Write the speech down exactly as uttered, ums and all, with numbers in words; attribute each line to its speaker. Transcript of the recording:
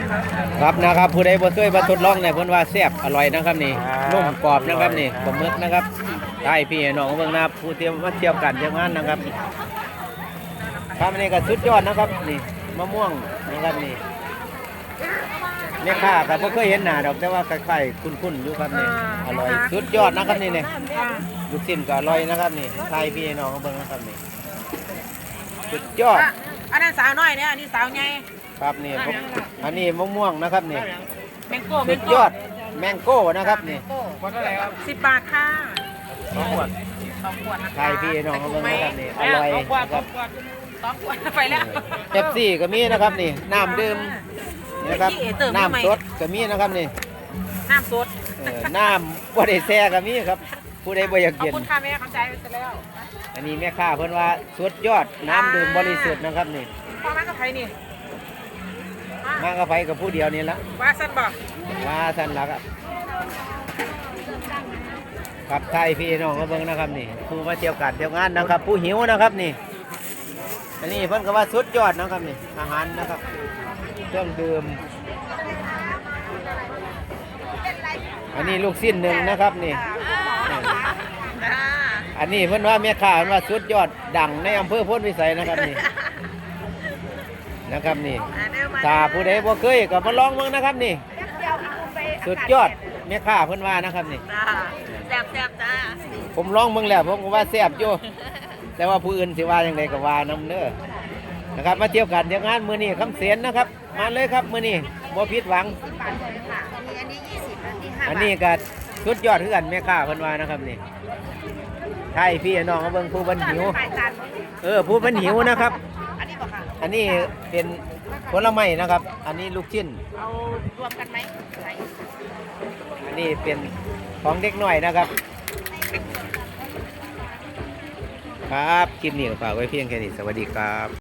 Speaker 1: ครับนะครับผู้ใดบ่เคยมาทดลองเนี่ยเพิ่นว่าแซ่บอร่อยนะครับนี่นุ่มกรอบนะครับนี่ปลาหมึกนะครับใช่พี่น้องเบิ่งนะครับผู้เตรียมมาเที่ยวกันเที่ยวงานนะครับครับอันนี้ก็สุดยอดนะครับนี่มะม่วงนะครับนี่แม่ค้าก็บ่เคยเห็นหน้าดอกแต่ว่าคล้ายๆคุ้นๆอยู่ครับนี่อร่อยสุดยอดนะครับนี่เนี่ยลูกชิ้นก็อร่อยนะครับนี่ใช่พี่น้องเบิ่งนะครับนี่สุดยอด
Speaker 2: อันนั้นสาวน้อยเนี่ยอันนี้สาวใหญ่
Speaker 1: ครับนี่อันนี้มะม่วงนะครับนี่
Speaker 2: แมงโก้แม
Speaker 1: สุ
Speaker 2: ง
Speaker 1: ด
Speaker 2: โก้
Speaker 1: ยอดแมงโก้นะครับนี่
Speaker 2: สิบบาทค่ะ
Speaker 1: สองขวด
Speaker 2: สองขวดนะคะ
Speaker 1: ใช่พี่น้องเขาเบิ่งนะครับนี่อร่อย
Speaker 2: สองขวด
Speaker 1: นะครับ
Speaker 2: สองขวดไปแล้ว
Speaker 1: เป๊ปซี่ก็มีนะครับนี่น้ำดื่มนี่นะครับ
Speaker 2: เอ๊ะเติมทำไม
Speaker 1: น้ำสดก็มีนะครับนี่
Speaker 2: น้ำสด
Speaker 1: เออน้ำบ่ได้แช่ก็มีครับผู้ใดบ่อยาก
Speaker 2: ขอบ
Speaker 1: กิน
Speaker 2: คุณค่ะแม่เข้าใจไปเสร็จแล้ว
Speaker 1: อันนี้แม่ค้าเพิ่นว่าสุดยอดน้ำดื่มบริสุทธิ์นะครับนี่
Speaker 2: พ่อแม่กับใครนี่
Speaker 1: มากับไผกับผู้เดียวนี่ละ
Speaker 2: ว่าสั้นบอก
Speaker 1: มาท่านละครับครับไทยพี่น้องเขาเบิ่งนะครับนี่ผู้มาเที่ยวกันเที่ยวงานนะครับ ผู้หิวนะครับนี่ อันนี้เพิ่นก็ว่าสุดยอดนะครับนี่อาหารนะครับเครื่องดื่มอันนี้ลูกสิ้นหนึ่งนะครับนี่อันนี้เพิ่นว่าแม่ค้าเพิ่นว่าสุดยอดดังในอำเภอโพ้นวิสัยนะครับนี่นะครับนี่ถ้าผู้ใดบ่เคยก็มาลองเบิ่งนะครับนี่สุดยอดแม่ค้าเพิ่นว่านะครับนี่
Speaker 2: แซ่บแซ่บจ้า
Speaker 1: ผมลองเบิ่งแล้วผมก็ว่าแซ่บอยู่แต่ว่าผู้อื่นสิว่าอย่างไรก็ว่านํเด้อนะครับมาเที่ยวกันเที่ยวงานมื้อนี้คำเสียนนะครับมาเลยครับมื้อนี้บ่ผิดหวัง
Speaker 2: อันนี้ยี่สิบอันนี้ห้า
Speaker 1: อันนี้ก็สุดยอดคือกันแม่ค้าเพิ่นว่านะครับนี่ใช่พี่น้องเขาเบิ่งผู้เพิ่นหิวเออผู้เพิ่นหิวนะครับ
Speaker 2: อันนี้บอกค่ะ
Speaker 1: อันนี้เป็นผลไม้นะครับ อันนี้ลูกชิ้น
Speaker 2: เอารวมกันไหม
Speaker 1: อันนี้เป็นของเด็กน้อยนะครับ ครับคลิปนี้ก็ฝากไว้เพียงแค่นี้สวัสดีครับ